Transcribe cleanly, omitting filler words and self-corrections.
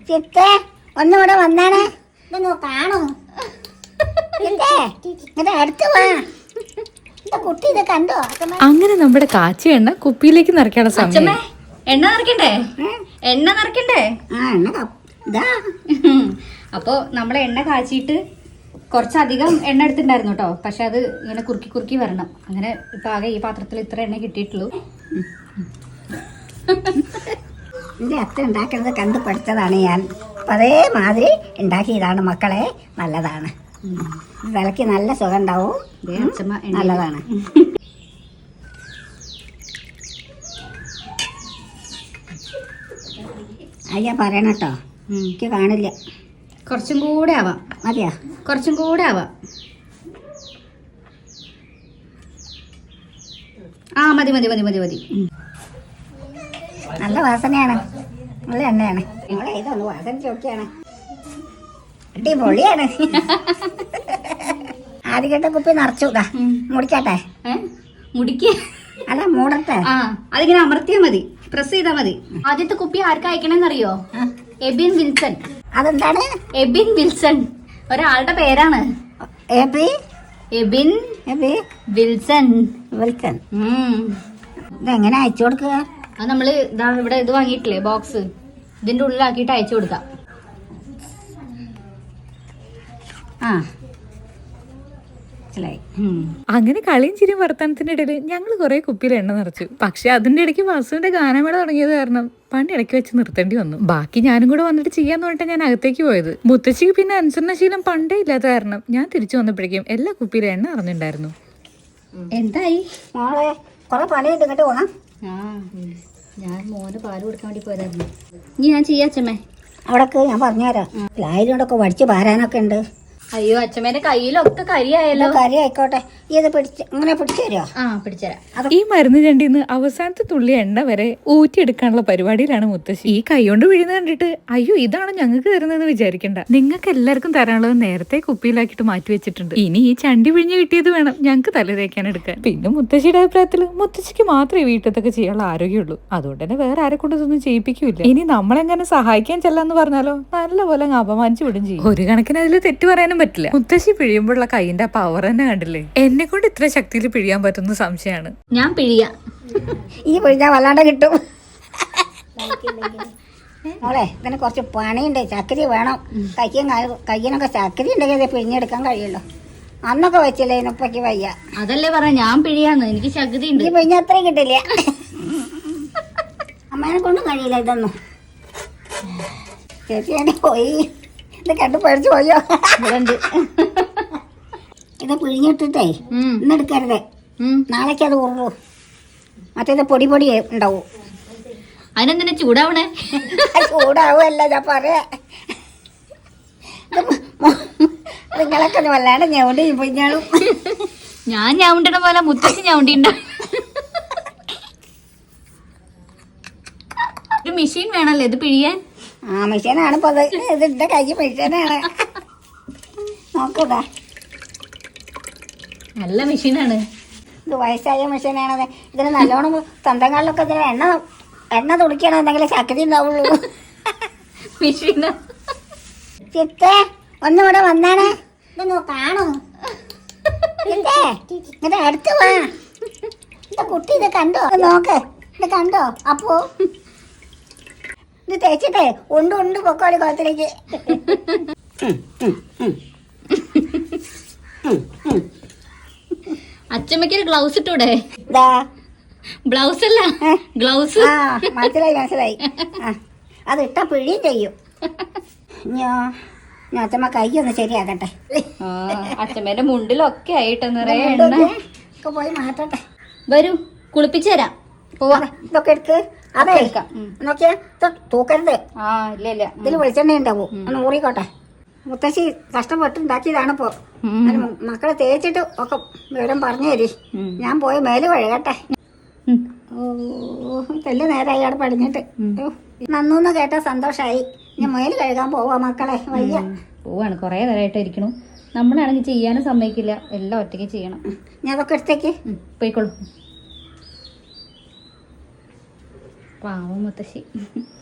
ചിത്തേ ഒന്നുകൂടെ വന്നാണ് ഇതൊന്ന് കാണൂ. ചിത്തേ ഇങ്ങനെ അടുത്ത് വാ. കുട്ടി ഇത് കണ്ടോ? അങ്ങനെ നമ്മുടെ കാച്ചി എണ്ണ കുപ്പിയിലേക്ക് നിറയ്ക്കാനുള്ള സമയം. എണ്ണ നിറയ്ക്കണ്ടേ? എണ്ണ നിറയ്ക്കണ്ടേ? അപ്പൊ നമ്മളെ എണ്ണ കാച്ചിട്ട് കുറച്ചധികം എണ്ണ എടുത്തിട്ടുണ്ടായിരുന്നു കേട്ടോ. പക്ഷെ അത് ഇങ്ങനെ കുറുക്കി കുറുക്കി വരണം. അങ്ങനെ ഇപ്പൊ ആകെ ഈ പാത്രത്തിൽ ഇത്ര എണ്ണ കിട്ടിയിട്ടുള്ളൂ. എൻ്റെ അച്ഛൻ ഉണ്ടാക്കുന്നത് കണ്ടു പഠിച്ചതാണ് ഞാൻ. അപ്പം അതേമാതിരി ഉണ്ടാക്കിയതാണ് മക്കളെ. നല്ലതാണ്, വിലക്ക് നല്ല സുഖം ഉണ്ടാവും, നല്ലതാണ്. അയ്യാ പറയണം കേട്ടോ, എനിക്ക് കാണില്ല. കുറച്ചും കൂടെ ആവാം. മതിയാ? കുറച്ചും കൂടെ ആവാം. ആ മതി മതി മതി മതി മതി. നല്ല വാസനയാണ്, നല്ല എണ്ണയാണ്. നിങ്ങളെ ഇതൊന്ന് വാസന ചോദിക്കുകയാണ്, അടിപൊളിയാണ്. ആദ്യത്തെ കുപ്പി നിറച്ചുതാ. മുടിക്കട്ടെ? മുടിക്ക് അല്ല, മൂടട്ടെ. ആ അതിങ്ങനെ അമർത്തിയാ മതി, പ്രസ് ചെയ്താ മതി. ആദ്യത്തെ കുപ്പി ആർക്കാ അയക്കണെന്നറിയോ? എബിൻ വിൽസൺ. അതെന്താണ്? എബിൻ വിൽസൺ ഒരാളുടെ പേരാണ്. എബിൻ വിൽസൺ. വിൽസൺ. ഇതെങ്ങനെ അയച്ചു കൊടുക്കുക? അത് നമ്മള് ഇവിടെ ഇത് വാങ്ങിയിട്ടില്ലേ, ബോക്സ്, ഇതിന്റെ ഉള്ളിലാക്കിയിട്ട് അയച്ചു കൊടുക്കാം. ആ, അങ്ങനെ കളിയും ചിരിയും വർത്തമാനത്തിന്റെ ഇടയിൽ ഞങ്ങൾ കുറെ കുപ്പിയിൽ എണ്ണ നിറച്ചു. പക്ഷെ അതിന്റെ ഇടയ്ക്ക് വാസുവിന്റെ ഗാനമേള തുടങ്ങിയത് കാരണം പണി ഇടയ്ക്ക് വെച്ച് നിർത്തേണ്ടി വന്നു. ബാക്കി ഞാനും കൂടെ വന്നിട്ട് ചെയ്യാന്ന് പറഞ്ഞിട്ട് ഞാൻ അകത്തേക്ക് പോയത്. മുത്തശ്ശിക്ക് പിന്നെ അനുസരണശീലം പണ്ടേ ഇല്ലാത്ത കാരണം ഞാൻ തിരിച്ചു വന്നപ്പോഴേക്കും എല്ലാ കുപ്പിയിലും എണ്ണ അറിഞ്ഞിട്ടുണ്ടായിരുന്നു. എന്തായി മോളെ? കുറെ പണിയുണ്ട്, ഇങ്ങോട്ട് പോകാം. ഞാൻ മോന് പാല് കൊടുക്കാൻ വേണ്ടി പോയതായിരുന്നു. ഇനി ഞാൻ ചെയ്യാച്ചമ്മേ. അവിടൊക്കെ ഞാൻ പറഞ്ഞുതരാം. ലായിലോടൊക്കെ വടിച്ച് പാരാനൊക്കെ ഉണ്ട്. അയ്യോ അച്ഛമ്മേന്റെ കയ്യിലൊക്കെ കരിയായല്ലോ. കരി ആയിക്കോട്ടെ, ഇത് പിടിച്ച് ഇങ്ങനെ പിടിച്ചു തരുമോ? ആ പിടിച്ചുതരാം. ഈ മരുന്ന് ചണ്ടിന്ന് അവസാനത്തെ തുള്ളി എണ്ണ വരെ ഊറ്റിയെടുക്കാനുള്ള പരിപാടിയിലാണ് മുത്തശ്ശി. ഈ കൈ കൊണ്ട് വീഴുന്ന കണ്ടിട്ട് അയ്യോ ഇതാണ് ഞങ്ങൾക്ക് തരുന്നതെന്ന് വിചാരിക്കണ്ട. നിങ്ങൾക്ക് എല്ലാവർക്കും തരാനുള്ളത് നേരത്തെ കുപ്പിയിലാക്കിയിട്ട് മാറ്റി വെച്ചിട്ടുണ്ട്. ഇനി ഈ ചണ്ടി പിഴിഞ്ഞ് കിട്ടിയത് വേണം ഞങ്ങൾക്ക് തല തേക്കാൻ എടുക്കാൻ. പിന്നെ മുത്തശ്ശിയുടെ അഭിപ്രായത്തിൽ മുത്തശ്ശിക്ക് മാത്രമേ വീട്ടിലത്തൊക്കെ ചെയ്യാനുള്ള ആരോഗ്യമുള്ളൂ. അതുകൊണ്ട് തന്നെ വേറെ ആരെ കൊണ്ട് ഇതൊന്നും ചെയ്യിപ്പിക്കൂല. ഇനി നമ്മളെങ്ങനെ സഹായിക്കാൻ ചെല്ലാന്ന് പറഞ്ഞാലോ നല്ലപോലെ അപമാനിച്ചു വിടും ചെയ്യും. ഒരു കണക്കിന് അതിൽ തെറ്റ് പറയാനും പറ്റില്ല. മുത്തശ്ശി പിഴിയുമ്പോഴുള്ള കൈയിന്റെ പവർ തന്നെ കണ്ടില്ലേ. എന്നെ കൊണ്ട് ഇത്ര ശക്തിയിൽ പിഴിയാൻ പറ്റുന്ന സംശയമാണ്. ഞാൻ പിഴിയാം. ഈ പിഴിഞ്ഞാൽ വല്ലാണ്ട് കിട്ടും. മോളെ ഇതിന് കുറച്ച് പണിയുണ്ട്, ചക്കരി വേണം. കയ്യിനൊക്കെ ചക്കരി ഉണ്ടെങ്കിൽ ഇത് പിഴിഞ്ഞെടുക്കാൻ കഴിയുള്ളൂ. അന്നൊക്കെ വെച്ചില്ലേ, ഇന്നപ്പൊക്ക് വയ്യ. അതല്ലേ പറഞ്ഞ ഞാൻ പിഴിയാന്ന്, എനിക്ക് ശക്തി ഉണ്ട്. ഈ പിഴിഞ്ഞ അത്രയും കിട്ടില്ല. അമ്മേനെ കൊണ്ടും കഴിയില്ല ഇതൊന്നും. ചേച്ചി പോയി, ഇത് കണ്ടു പഠിച്ചു പോയോ? ഇത് പിഴിഞ്ഞിട്ടിട്ടേ ഇന്നെടുക്കരുത്, നാളേക്ക് അത് ഉള്ളൂ. മറ്റേത് പൊടി പൊടി ഉണ്ടാവും. അതിനെന്തിനാ ചൂടാവണേ? ചൂടാവുമല്ല ഞാൻ പറയാ. നിങ്ങളൊക്കെ വല്ലാണ്ട് ഞൗണ്ടി പിഴിഞ്ഞാളും. ഞാൻ ഞൗണ്ടണ പോലെ മുത്തശ്ശി ഞൗണ്ടിണ്ട. ഒരു മെഷീൻ വേണല്ലേ ഇത് പിഴിയാൻ? ആ മെഷീനാണ് ഇപ്പൊ അത്. ഇതിന്റെ കൈ മെഷീനാണ്. നോക്കൂടാ, നല്ല മെഷീനാണ് ഇത്. വയസ്സായ മെഷീനാണത്. ഇതിന് നല്ലോണം തന്തങ്ങളിലൊക്കെ ഇതിന് എണ്ണ തുളിക്കണമെന്നെങ്കിൽ ശക്തി ഉണ്ടാവുള്ളൂ. മെഷീൻ. ചിത്തേ ഒന്നുകൂടെ വന്നാണ് ഇതൊന്ന് കാണൂ. ചിത്തേ ഇങ്ങനെ അടുത്ത് വാ. ഇത് കുട്ടി ഇത് കണ്ടോ? നോക്ക്, ഇത് കണ്ടോ? അപ്പോ ഇത് തേച്ചിട്ടേ ഉണ്ട് പൊക്കോളി കുളത്തിലേക്ക്. അച്ഛമ്മയ്ക്ക് ഗ്ലൗസ് ഇട്ടൂടെ? ബ്ലൗസ് അല്ല, ഗ്ലൗസ്. മനസ്സിലായി. അത് ഇട്ടാ പിഴിയും ചെയ്യും. ഞാൻ അച്ഛമ്മ കൈ ഒന്ന് ശരിയാക്കട്ടെ. അച്ഛമ്മേന്റെ മുണ്ടിലൊക്കെ ആയിട്ട് പോയി മാറ്റട്ടെ. വരൂ, കുളിപ്പിച്ചു തരാം. പോവാ. ഇതൊക്കെ എടുക്ക്. അതെ നോക്കിയാ തൂക്കരുത്. ഇല്ല ഇതിൽ വെളിച്ചെണ്ണ ഉണ്ടാവും, ഒന്ന് ഊറിക്കോട്ടെ. മുത്തശ്ശി കഷ്ടപ്പെട്ടുണ്ടാക്കിയതാണ് ഇപ്പോ. മക്കളെ തേച്ചിട്ട് ഒക്കെ വിവരം പറഞ്ഞു തരി. ഞാൻ പോയി മേല് കഴുകട്ടെ. തെല്ല് നേരമായി അവിടെ പടിഞ്ഞിട്ട്. നന്നൂന്ന് കേട്ട സന്തോഷായി. ഞാൻ മേല് കഴുകാൻ പോവാ മക്കളെ, വയ്യ. പോവാണ്, കൊറേ നേരമായിട്ട് ഇരിക്കണു. നമ്മളാണെങ്കിൽ ചെയ്യാനും സമ്മതിക്കില്ല, എല്ലാം ഒറ്റയ്ക്ക് ചെയ്യണം. ഞാൻ അതൊക്കെ എടുത്തേക്ക് പോയിക്കോളൂ. പാവം മുത്തശ്ശി.